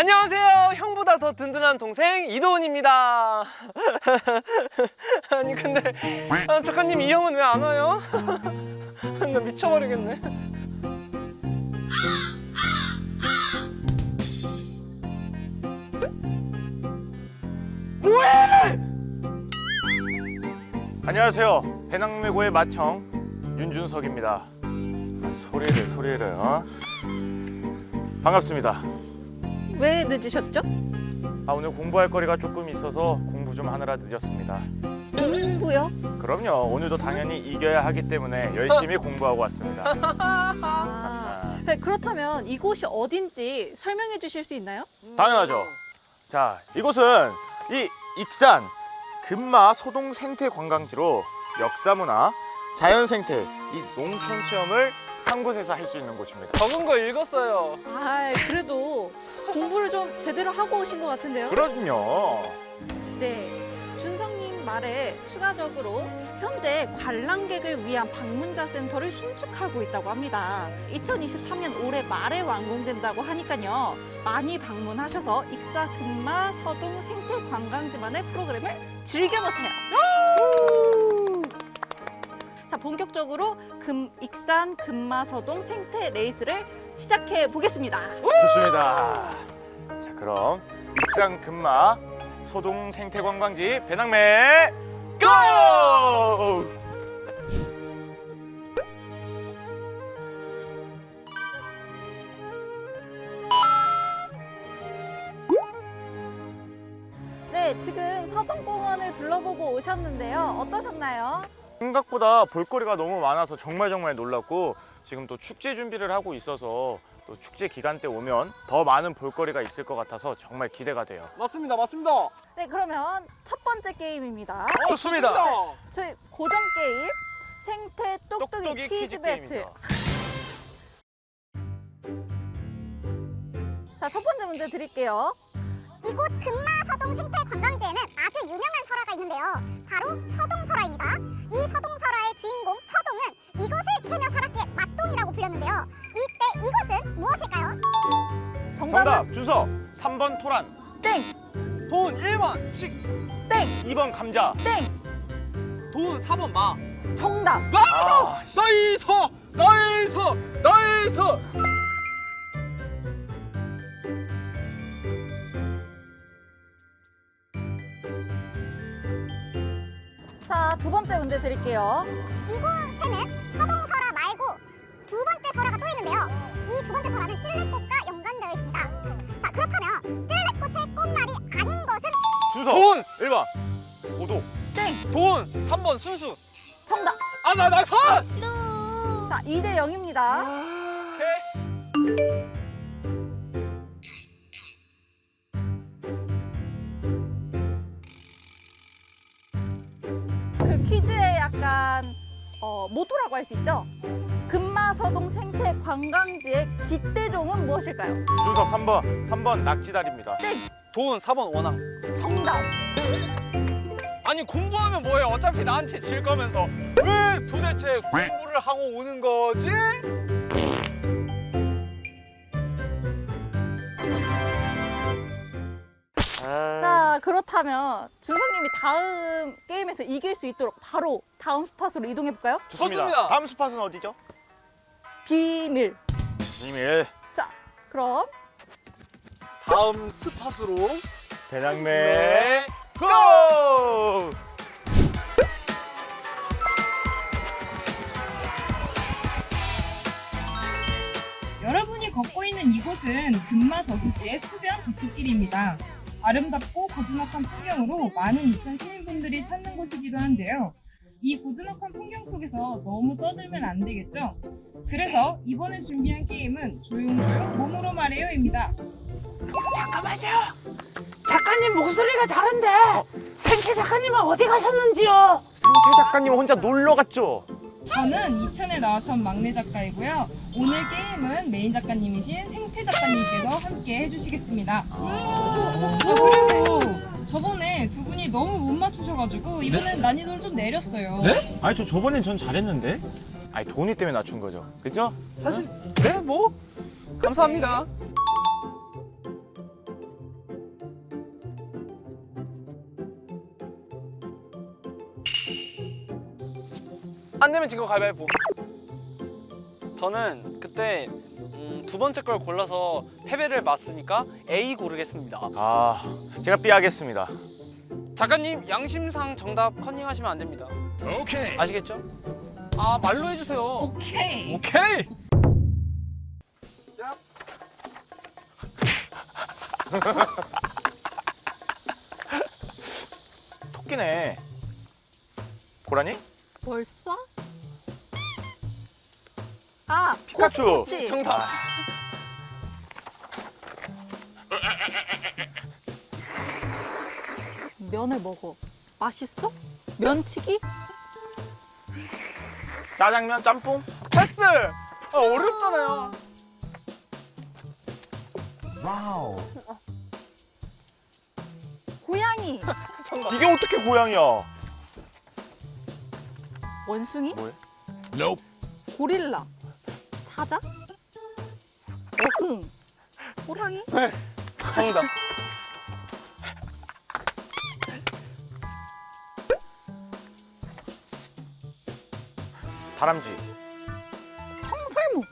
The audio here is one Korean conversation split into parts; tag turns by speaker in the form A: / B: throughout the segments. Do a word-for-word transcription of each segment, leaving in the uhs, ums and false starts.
A: 안녕하세요. 형보다 더 든든한 동생 이도훈입니다. 아니 근데 아, 작가님 이 형은 왜 안 와요? 나 미쳐버리겠네. 뭐해?
B: 안녕하세요. 배낭매고의 마청 윤준석입니다. 소리를 소리를 어? 반갑습니다.
C: 왜 늦으셨죠?
B: 아, 오늘 공부할 거리가 조금 있어서 공부 좀 하느라 늦었습니다.
C: 공부요?
B: 그럼요. 오늘도 당연히 이겨야 하기 때문에 열심히 공부하고 왔습니다.
C: 아, 네, 그렇다면 이곳이 어딘지 설명해 주실 수 있나요?
B: 당연하죠. 자, 이곳은 이 익산 금마 소동 생태 관광지로 역사문화, 자연생태, 이 농촌 체험을 한 곳에서 할 수 있는 곳입니다.
A: 적은 거 읽었어요.
C: 아, 그래도 공부를 좀 제대로 하고 오신 것 같은데요?
B: 그럼요.
C: 네, 준성님 말에 추가적으로 현재 관람객을 위한 방문자 센터를 신축하고 있다고 합니다. 이천이십삼 년 올해 말에 완공된다고 하니까요. 많이 방문하셔서 익사 금마 서동 생태 관광지만의 프로그램을 즐겨보세요. 자, 본격적으로 금, 익산 금마 서동 생태 레이스를 시작해 보겠습니다.
B: 좋습니다. 자, 그럼 익산 금마 소동 생태 관광지 배낭매 고!
C: 네, 지금 서동공원을 둘러보고 오셨는데요. 어떠셨나요?
B: 생각보다 볼거리가 너무 많아서 정말 정말 놀랐고, 지금 또 축제 준비를 하고 있어서 또 축제 기간 때 오면 더 많은 볼거리가 있을 것 같아서 정말 기대가 돼요.
A: 맞습니다, 맞습니다.
C: 네, 그러면 첫 번째 게임입니다.
A: 어,
B: 좋습니다.
C: 저희 고정 게임 생태 똑똑이,
B: 똑똑이
C: 퀴즈,
B: 퀴즈
C: 배틀.
B: 게임입니다.
C: 자, 첫 번째 문제 드릴게요.
D: 이곳 금마 서동 생태 관광지에는 아주 유명한 설화가 있는데요. 바로 서동설화입니다. 이 서동설화의 주인공 서동은 이곳을 캐며 살았기에 맛동이라고 불렸는데요. 이때 이곳은 무엇일까요?
C: 정답은
B: 정답 준서 삼 번 토란,
C: 땡,
A: 돈 일 번 식,
C: 땡,
B: 이 번 감자.
C: 땡.
A: 돈 사 번 마.
C: 정답.
B: 아,
A: 나이스! 나이스! 나이스!
C: 자, 두 번째 문제 드릴게요.
D: 이곳에는 서동설화 말고 두 번째 설화가 또 있는데요. 이 두 번째 설화는 찔레꽃과 연관되어 있습니다. 자, 그렇다면 찔레꽃의 꽃말이 아닌 것은
B: 준서
A: 돈!
B: 일 번 고도.
C: 땡.
A: 돈 삼 번 순수.
C: 정답.
A: 아, 나, 나 선!
C: 자, 이 대 영입니다.
A: 오케이.
C: 그 퀴즈의 약간 어, 모토라고 할 수 있죠? 금마 서동 생태 관광지의 기대종은 무엇일까요?
B: 준석 삼 번 삼 번 낙지다리입니다.
A: 돈 사 번 원앙.
C: 정답.
A: 아니 공부하면 뭐해? 어차피 나한테 질 거면서 왜 도대체 공부를 하고 오는 거지?
B: 아,
C: 자, 그렇다면 준성님이 다음 게임에서 이길 수 있도록 바로 다음 스팟으로 이동해 볼까요?
B: 좋습니다.
A: 좋습니다.
B: 다음 스팟은 어디죠?
C: 비밀.
B: 비밀
C: 자, 그럼
A: 다음 스팟으로
B: 배낭매
A: 네.
B: 고!
E: 여러분이 걷고 있는 이곳은 금마 저수지의 수변 걷기길입니다. 아름답고 고즈넉한 풍경으로 많은 익산 시민분들이 찾는 곳이기도 한데요. 이 고즈넉한 풍경 속에서 너무 떠들면 안 되겠죠? 그래서 이번에 준비한 게임은 조용조용 몸으로 말해요입니다.
F: 잠깐만요. 작가님 목소리가 다른데 생태 작가님은 어디 가셨는지요?
B: 생태 작가님 혼자 놀러 갔죠?
E: 저는 이 편에 나왔던 막내 작가이고요. 오늘 게임은 메인 작가님이신 생태 작가님께서 함께 해주시겠습니다. 아, 그리고 저번에 두 분이 너무 못 맞추셔가지고 이번엔 난이도를 좀 내렸어요.
B: 아니 저 저번엔 전 잘했는데. 아니 돈이 때문에 낮춘 거죠, 그죠?
A: 사실 네 뭐 감사합니다. 안 내면 진거 가위바위보. 저는 그때 음, 두 번째 걸 골라서 패배를 맞으니까 A 고르겠습니다.
B: 아, 제가 B 하겠습니다.
A: 작가님 양심상 정답 컨닝하시면 안 됩니다. 오케이. 아시겠죠? 아 말로 해주세요.
E: 오케이.
A: 오케이.
B: 토끼네. 고라니?
C: 벌써? 아,
B: 피카츄.
C: 코스모치.
A: 정답.
C: 면을 먹어. 맛있어? 면치기?
B: 짜장면, 짬뽕?
A: 패스. 아, 어렵잖아요.
C: 고양이.
B: 이게 어떻게 고양이야?
C: 원숭이?
B: 뭐야?
C: 고릴라. 사자? 어흥. 호랑이?
A: 정답.
B: 다람쥐.
C: 청설모.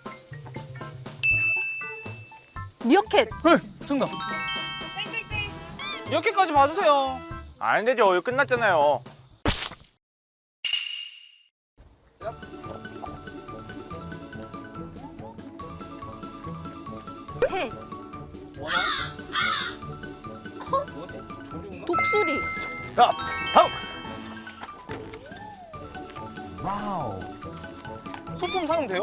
C: 미어캣.
A: 정답.
E: 땡땡땡.
A: 이렇게까지 봐주세요.
B: 안 되죠. 이거 끝났잖아요.
C: 새.
A: 뭐지? 조류인가?
C: 독수리.
B: 자, 다음.
A: 소품 사용돼요?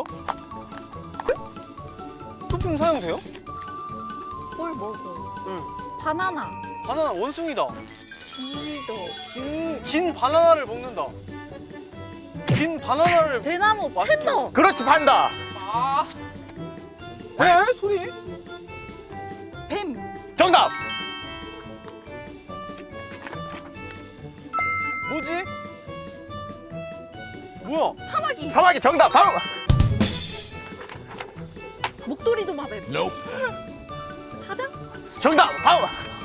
A: 소품 사용돼요?
C: 뭘 먹어?
A: 응.
C: 바나나.
A: 바나나 원숭이다.
C: 우리도.
A: 긴, 긴 바나나를 먹는다. 긴 바나나를
C: 대나무.
A: 맛있게
C: 팬더.
B: 그렇지, 판다.
A: 아. 에? 소리?
C: 뱀.
B: 정답.
A: 뭐지? 뭐야?
C: 사마귀.
B: 사마귀 정답. 다음.
C: 목도리 도마뱀. 사자?
B: 정답. 다음.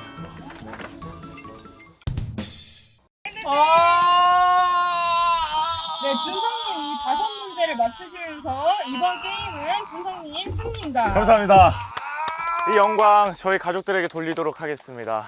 A: 아.
E: 네, 준성님이 다섯 문제를 맞추시면서 이번 게임은 준성님 승리입니다.
B: 감사합니다. 이 영광 저희 가족들에게 돌리도록 하겠습니다.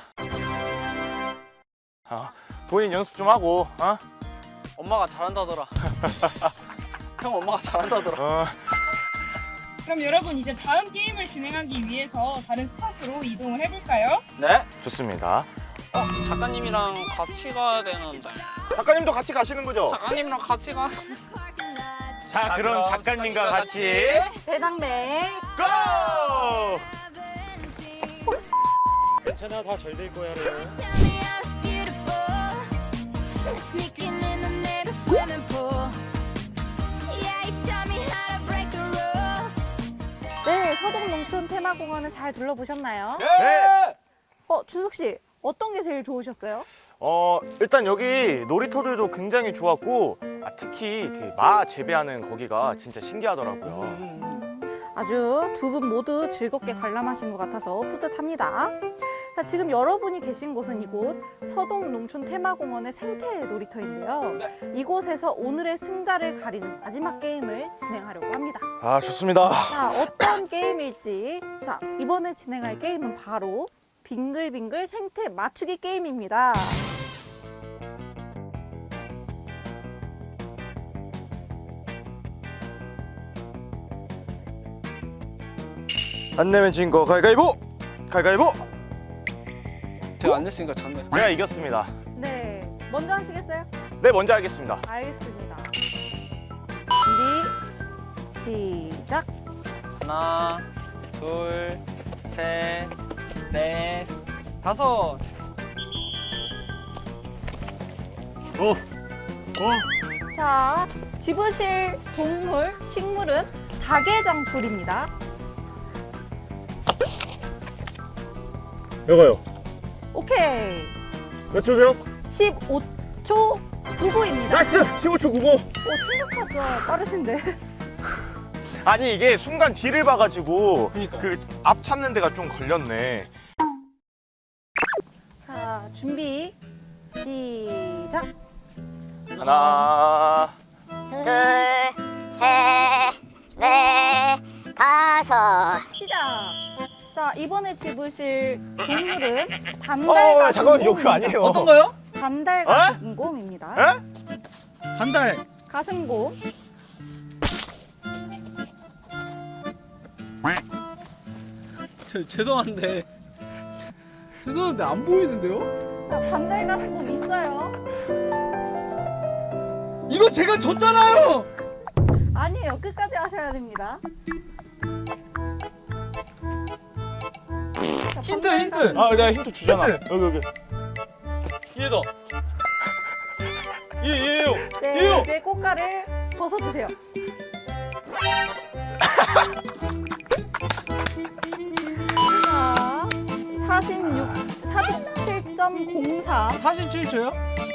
B: 어, 본인 연습 좀 하고, 어?
A: 엄마가 잘한다더라. 형 엄마가 잘한다더라.
B: 어,
E: 그럼 여러분 이제 다음 게임을 진행하기 위해서 다른 스팟으로 이동을 해볼까요?
A: 네?
B: 좋습니다.
A: 어, 작가님이랑 같이 가야 되는데.
B: 작가님도 같이 가시는 거죠?
A: 작가님이랑 같이 가.
B: 자, 그럼 작가님과 같이
C: 대당맥.
B: 고!
G: 괜찮아, 다 잘 될 거야.
H: Sneaking in the neighbor's swimming pool. Yeah, you taught me how to break the rules.
C: 네, 서동농촌 테마공원을 잘 둘러보셨나요?
B: 네.
C: 어, 준석 씨, 어떤 게 제일 좋으셨어요?
B: 어, 일단 여기 놀이터들도 굉장히 좋았고, 아, 특히 그 마 재배하는 거기가 진짜 신기하더라고요.
C: 아주 두 분 모두 즐겁게 관람하신 것 같아서 뿌듯합니다. 자, 지금 여러분이 계신 곳은 이곳 서동농촌 테마공원의 생태 놀이터인데요. 이곳에서 오늘의 승자를 가리는 마지막 게임을 진행하려고 합니다.
B: 아, 좋습니다.
C: 자, 어떤 게임일지. 자, 이번에 진행할 게임은 바로 빙글빙글 생태 맞추기 게임입니다.
B: 안 내면 진 거 가위가위보! 가위가위보!
A: 제가 안 냈으니까 졌네.
B: 제가 이겼습니다.
C: 네, 먼저 하시겠어요?
B: 네, 먼저 하겠습니다.
C: 알겠습니다. 준비, 시작.
A: 하나, 둘, 셋, 넷, 다섯.
B: 오! 오!
C: 자, 집으실 동물, 식물은 다계장풀입니다.
B: 이거요.
C: 오케이.
B: 몇 초죠?
C: 십오 초 구구입니다.
B: 나이스! 십오 초 구구!
C: 오, 생각보다 빠르신데.
B: 아니, 이게 순간 뒤를 봐가지고
A: 그러니까요.
B: 그 앞 찾는 데가 좀 걸렸네.
C: 자, 준비, 시작.
B: 하나,
D: 둘, 셋, 넷, 다섯.
C: 시작. 자, 이번에 집으실 동물은
B: 어,
C: 반달
B: 잠깐만, 이거 그거
C: 가슴곰입니다.
B: 아니에요.
A: 어떤 거요?
C: 반달
B: 어?
C: 가슴곰입니다.
B: 에?
A: 반달.
C: 가슴곰.
A: 저, 죄송한데 죄송한데 안 보이는데요?
C: 자, 반달 가슴곰 있어요?
A: 이거 제가 줬잖아요.
C: 아니에요. 끝까지 하셔야 됩니다. 자,
A: 힌트,
C: 반달
A: 힌트.
C: 가슴곰.
B: 아, 내가 힌트 주잖아.
A: 힌트.
B: 여기, 여기.
A: 얘다. 얘 얘요.
C: 네,
A: 얘요.
C: 이제 꽃가를 벗어주세요. 자, 사십육, 사십칠 점 공사.
A: 사십칠 초요?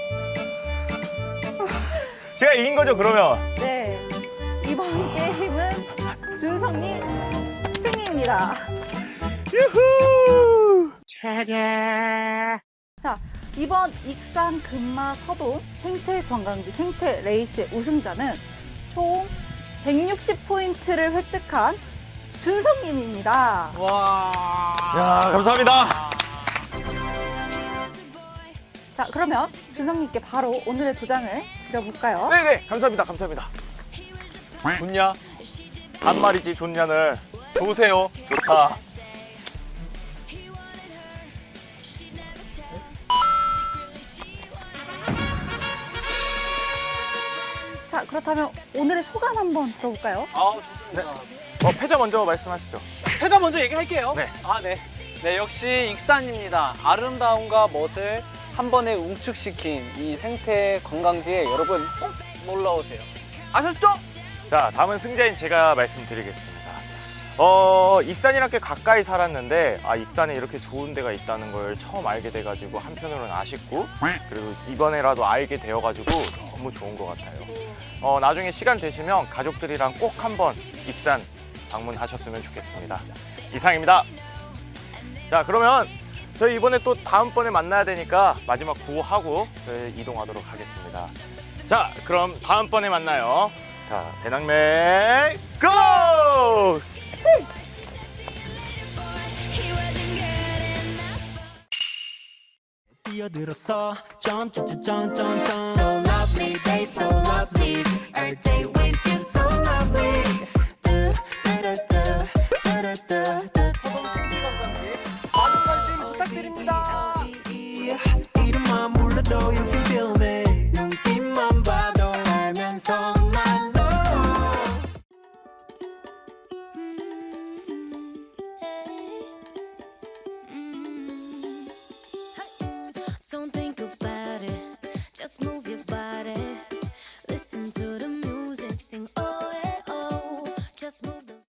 B: 제가 이긴 거죠, 그러면?
C: 네, 이번 게임은 준성님 승리입니다.
B: 유후!
C: 자, 이번 익산 금마 서동 생태 관광지 생태 레이스의 우승자는 총 백육십 포인트를 획득한 준성님입니다.
A: 와.
B: 야, 감사합니다.
C: 자, 그러면 준성님께 바로 오늘의 도장을 드려볼까요?
B: 네네, 감사합니다, 감사합니다.
A: 좋냐?
B: 반말이지, 좋냐는.
A: 좋으세요.
B: 좋다.
C: 자, 그렇다면 오늘의 소감 한번 들어볼까요?
A: 아 좋습니다.
B: 어, 패자 먼저 말씀하시죠.
A: 패자 먼저 얘기할게요.
B: 네.
A: 아 네. 네 역시 익산입니다. 아름다움과 멋을 한 번에 웅축시킨 이 생태 관광지에 여러분 꼭 놀러 오세요. 아셨죠?
B: 자, 다음은 승자인 제가 말씀드리겠습니다. 어, 익산이랑 꽤 가까이 살았는데, 아, 익산에 이렇게 좋은 데가 있다는 걸 처음 알게 돼가지고 한편으로는 아쉽고, 그리고 이번에라도 알게 되어가지고 너무 좋은 것 같아요. 어, 나중에 시간 되시면 가족들이랑 꼭 한번 익산 방문하셨으면 좋겠습니다. 이상입니다. 자, 그러면 저희 이번에 또 다음번에 만나야 되니까 마지막 구호하고 저희 이동하도록 하겠습니다. 자, 그럼 다음번에 만나요. 자, 배낭맨 고!
H: He wasn't good enough.
G: 뛰어들었어 점점점점점 So lovely day so lovely